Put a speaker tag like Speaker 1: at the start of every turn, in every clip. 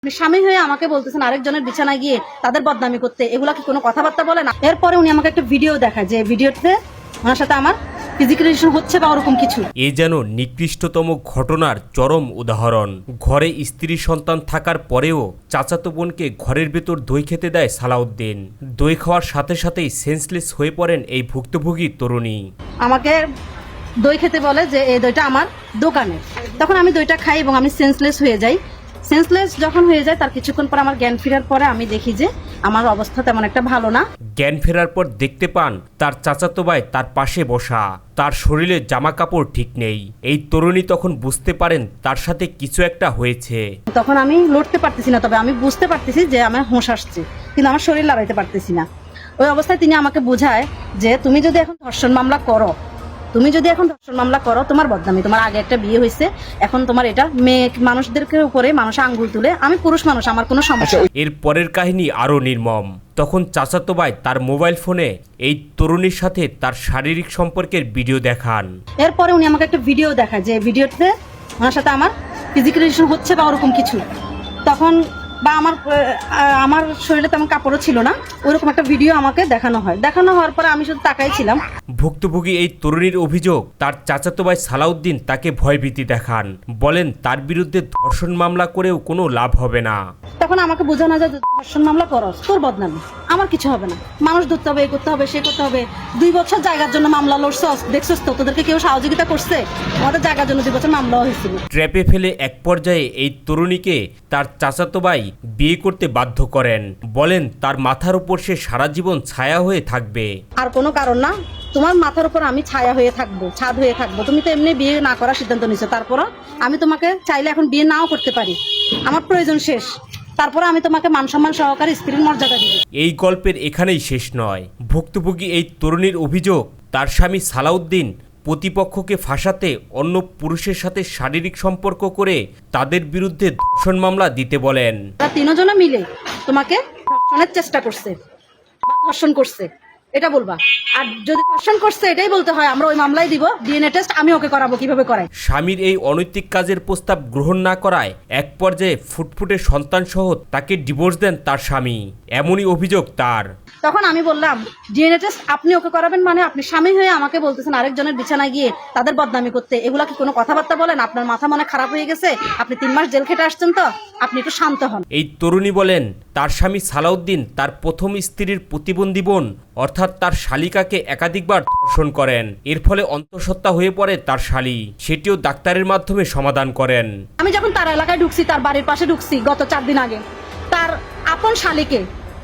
Speaker 1: স্বামী হয়ে আমাকে বলতেছেন আরেকজনের বিছানায় গিয়ে তাদের বদনামি করতে, এগুলা কি কোনো কথাবার্তা বলে না? এরপরে উনি আমাকে একটা ভিডিও দেখায় যে ভিডিওতে ওনার সাথে আমার ফিজিক্যাল রিলেশন হচ্ছে বা ওরকম কিছু।
Speaker 2: এ যেন নিকৃষ্টতম ঘটনার চরম উদাহরণ। ঘরে স্ত্রী সন্তান থাকার পরেও চাচাতো বোনকে ঘরের ভেতর দই খেতে দেয় সালাউদ্দিন। দই খাওয়ার সাথে সাথেই সেন্সলেস হয়ে পড়েন এই ভুক্তভোগী তরুণী।
Speaker 1: আমাকে দই খেতে বলে যে এই দইটা আমার দোকানে। তখন আমি দইটা খাই এবং আমি সেন্সলেস হয়ে যাই। সেন্সলেস যখন হয়ে যায় তার কিছুক্ষণ পর আমার জ্ঞান ফেরার পরে আমি দেখি যে আমার অবস্থা তেমন একটা ভালো না।
Speaker 2: জ্ঞান ফেরার পর দেখতে পান তার চাচাতো ভাই তার পাশে বসা, তার শরীরে জামা কাপড় ঠিক নেই। এই তরুণী তখন বুঝতে পারেন তার সাথে কিছু একটা হয়েছে।
Speaker 1: তখন আমি লড়তে পারতেছি না, তবে আমি বুঝতে পারতেছি যে আমার হোঁশ আসছে, কিন্তু আমার শরীর লড়াইতে পারতেছি না। ওই অবস্থায় তিনি আমাকে বোঝায় যে তুমি যদি এখন ধর্ষণ মামলা করো, তোমার বদনামি, তোমার আগে একটা বিয়ে হয়েছে, এখন তোমার এটা মেয়ে মানুষদেরকে উপরে মানুষ আঙ্গুল তুলে, আমি পুরুষ মানুষ, আমার কোনো সমস্যা।
Speaker 2: এর পরের কাহিনী আরো নির্মম। তখন চাচাতো ভাই তার মোবাইল ফোনে এই তরুণীর সাথে তার শারীরিক সম্পর্কের ভিডিও দেখান।
Speaker 1: এরপরে উনি আমাকে একটা ভিডিও দেখায় যে ভিডিওতে ওনার সাথে আমার ফিজিক্যাল রিলেশন হচ্ছে বা ওরকম কিছু। তখন বা আমার শরীরে তেমন কাপড়ও ছিল না, ওইরকম একটা ভিডিও আমাকে দেখানো হওয়ার পরে আমি শুধু তাকাই ছিলাম।
Speaker 2: ভুক্তভোগী এই তরুণীর অভিযোগ, তার চাচাতো ভাই সালাউদ্দিন তাকে ভয়ভীতি দেখান, বলেন তার বিরুদ্ধে ধর্ষণ মামলা করেও কোনো লাভ হবে না।
Speaker 1: তখন আমাকে বোঝানো যায় ধর্ষণ মামলা করস, তোর বদনামি, আমার কিছু হবে না, মানুষ ধরতে হবে, এই করতে হবে, সে করতে হবে। 2 বছর জায়গার জন্য মামলা লড়ছস, দেখছস তো তোদেরকে কেউ সহযোগিতা করছে? আমাদের জায়গার জন্য 2 বছর মামলা হয়েছিল।
Speaker 2: ট্র্যাপে ফেলে এক পর্যায়ে এই তরুণীকে তার চাচাতো ভাই বিয়ে করতে বাধ্য করেন, বলেন তার মাথার উপর সে সারা জীবন ছায়া হয়ে থাকবে।
Speaker 1: আর কোনো কারণ না, তোমার মাথার উপর আমি ছায়া হয়ে থাকবো, ছাদ হয়ে থাকবো। তুমি তো এমনি বিয়ে না করার সিদ্ধান্ত নিছো, তারপরও আমি তোমাকে চাইলে এখন বিয়ে নাও করতে পারি, আমার প্রয়োজন শেষ, তারপরে আমি তোমাকে মান সম্মান সহকারে স্ত্রীর মর্যাদা দিব।
Speaker 2: এই গল্পের এখানেই শেষ নয়। ভুক্তভোগী এই তরুণীর অভিযোগ, তার স্বামী সালাউদ্দিন প্রতিপক্ষকে ফাঁসাতে অন্য পুরুষের সাথে শারীরিক সম্পর্ক করে তাদের বিরুদ্ধে ধর্ষণ মামলা দিতে বলেন।
Speaker 1: তারা 3 জনে মিলে তোমাকে ধর্ষণের চেষ্টা করছে বা ধর্ষণ করছে, এটা বলবা। আর যদি ধর্ষণ করছে এটাই বলতে হয়, আমরা ওই মামলাই দিব, ডিএনএ টেস্ট আমি ওকে করাবো, কিভাবে করাই।
Speaker 2: স্বামীর এই অনৈতিক কাজের প্রস্তাব গ্রহণ না করায় এক পর্যায়ে ফুটফুটে সন্তান সহ তাকে ডিভোর্স দেন তার স্বামী, এমনই অভিযোগ তার।
Speaker 1: তখন আমি বললাম ডিএনএ টেস্ট আপনি ওকে করাবেন মানে? আপনি স্বামী হয়ে আমাকে বলতেছেন আরেকজনের বিছানায় গিয়ে তাদের বদনামি করতে, এগুলা কি কোনো কথাবার্তা বলেন? আপনার মাথা মনে খারাপ হয়ে গেছে? আপনি 3 মাস জেল খেটে আসছেন, তো আপনি একটু শান্ত হন।
Speaker 2: এই তরুণী বলেন তার স্বামী সালাউদ্দিন তার প্রথম স্ত্রীর প্রতিবন্ধী বোন অর্থাৎ তার শালিকাকে একাধিকবার ধর্ষণ করেন। এর ফলে অন্তঃসত্ত্বা হয়ে পড়ে তার শালী, সেটিও ডাক্তারের মাধ্যমে সমাধান করেন।
Speaker 1: আমি যখন তার এলাকায় ঢুকছি, তার বাড়ির পাশে ঢুকছি গত 4 দিন আগে, তার আপন শালীকে,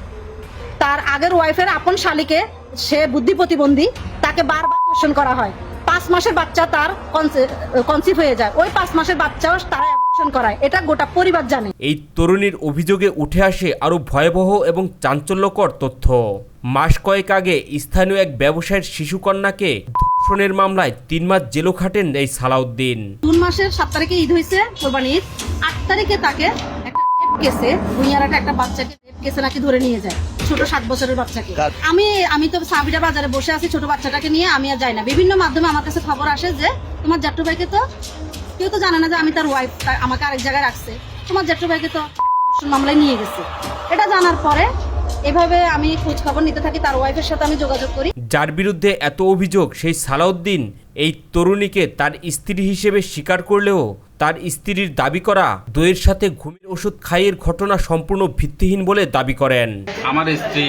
Speaker 1: তার আগের ওয়াইফের আপন শালীকে, সে বুদ্ধি প্রতিবন্ধী, তাকে বারবার ধর্ষণ করা হয়। 5 মাসের বাচ্চা তার কনসিভ হয়ে যায়, ওই 5 মাসের বাচ্চাও তারা অ্যাবর্শন করায়, এটা গোটা পরিবার জানে।
Speaker 2: এই তরুণীর অভিযোগে উঠে আসে আরো ভয়াবহ এবং চাঞ্চল্যকর তথ্য। মাস কয়েক আগে স্থানীয় এক ব্যবসায়ীর শিশুকন্যাকে ধর্ষণের মামলায় 3 মাস জেলও খাটেন এই সালাউদ্দিন।
Speaker 1: জুন মাসের 7 তারিখে ঈদ হয়েছে, কোরবানি ঈদ। 8 তারিখে তাকে একটা রেপ কেসে, ভুইয়ারাটা একটা বাচ্চাকে রেপ কেসে নাকি ধরে নিয়ে যায়, ছোট 7 বছরের বাচ্চাকে। আমি তো সাবিরা বাজারে বসে আছি, ছোট বাচ্চাটাকে নিয়ে আমি আর যাই না। বিভিন্ন মাধ্যমে আমার কাছে খবর আসে যে তোমার জেঠু ভাইকে তো কেউ তো জানে না যে আমি তার ওয়াইফ, আমাকে আরেক জায়গায় রাখছে, তোমার জেঠু ভাইকে তো ধর্ষণ মামলায় নিয়ে গেছে। এটা জানার পরে এভাবে আমি খোঁজ খবর নিতে থাকি, তার ওয়াইফের সাথে আমি যোগাযোগ করি।
Speaker 2: যার বিরুদ্ধে এত অভিযোগ সেই সালাউদ্দিন এই তরুণীকে তার স্ত্রী হিসেবে স্বীকার করলেও তার স্ত্রীর দাবি করা দইয়ের সাথে ঘুমের ওষুধ খাইয়ের ঘটনা সম্পূর্ণ ভিত্তিহীন বলে দাবি করেন।
Speaker 3: আমার স্ত্রী,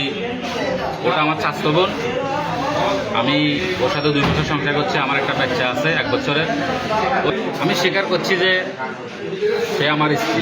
Speaker 3: ওটা আমার চাচাতো বোন, আমি ওর সাথে 2 বছর সংসার করছি, আমার একটা বাচ্চা আছে 1 বছরের। আমি স্বীকার করছি যে সে আমার স্ত্রী।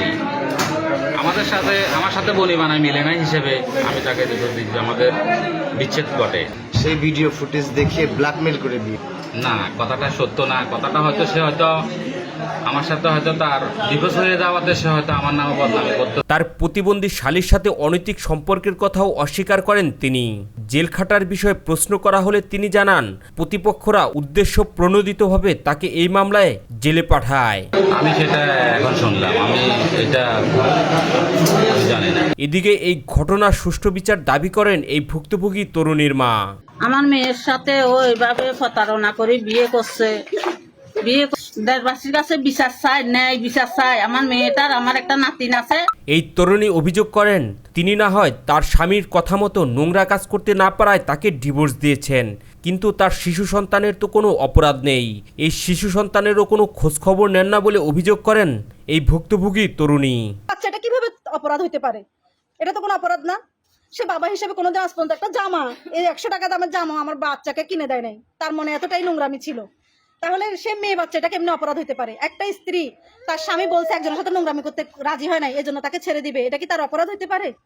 Speaker 3: আমার সাথে বনি বানায় মিলে নাই হিসেবে আমি তাকে ডিভোর্স দিচ্ছি, আমাদের বিচ্ছেদ ঘটে।
Speaker 4: সেই ভিডিও ফুটেজ দেখিয়ে ব্ল্যাকমেল করে দিয়ে
Speaker 3: না, কথাটা সত্য না। কথাটা হয়তো সে হয়তো আমার সাথে হয়তো তার ডিভোর্স হয়ে যাওয়াতে সে হয়তো আমার নামে বদনামি করতো।
Speaker 2: তার প্রতিবন্ধী শালীর সাথে অনৈতিক সম্পর্কের কথাও অস্বীকার করেন তিনি। জেল খাটার বিষয়ে প্রশ্ন করা হলে তিনি জানান প্রতিপক্ষরা উদ্দেশ্য প্রণোদিতভাবে তাকে এই মামলায় জেলে পাঠায়।
Speaker 3: আমি সেটা এখন শুনলাম, আমি এটা জানি না।
Speaker 2: এদিকে এই ঘটনার সুষ্ঠু বিচার দাবি করেন এই ভুক্তভোগী তরুণীর মা।
Speaker 5: আমার মেয়ের সাথে ও এইভাবে প্রতারণা করে বিয়ে করছে, বিয়ে দেশবাসীর কাছে বিচার চাই, ন্যায় বিচার চাই। আমার মেয়েটার, আমার একটা নাতিন আছে।
Speaker 2: এই তরুণী অভিযোগ করেন তিনি না হয় তার স্বামীর কথা মতো নোংরা কাজ করতে না পারায় তাকে ডিভোর্স দিয়েছেন, কিন্তু তার শিশু সন্তানের তো কোনো অপরাধ নেই। এই শিশু সন্তানেরও কোনো খোঁজখবর নেন না বলে অভিযোগ করেন এই ভুক্তভোগী তরুণী।
Speaker 1: বাচ্চাটা কিভাবে অপরাধ হইতে পারে? এটা তো কোনো অপরাধ না। সে বাবা হিসেবে কোনোদিন আজ পর্যন্ত একটা জামা, এই 100 টাকা দামের জামা আমার বাচ্চাকে কিনে দেয় নাই। তার মনে এতটাই নোংরামি ছিল। তাহলে সে মেয়ে বাচ্চাটা কেমনে অপরাধ হইতে পারে? একটা স্ত্রী তার স্বামী বলছে একজনের সাথে নোংরামি করতে রাজি হয় নাই, এজন্য তাকে ছেড়ে দিবে, এটা কি তার অপরাধ হইতে পারে?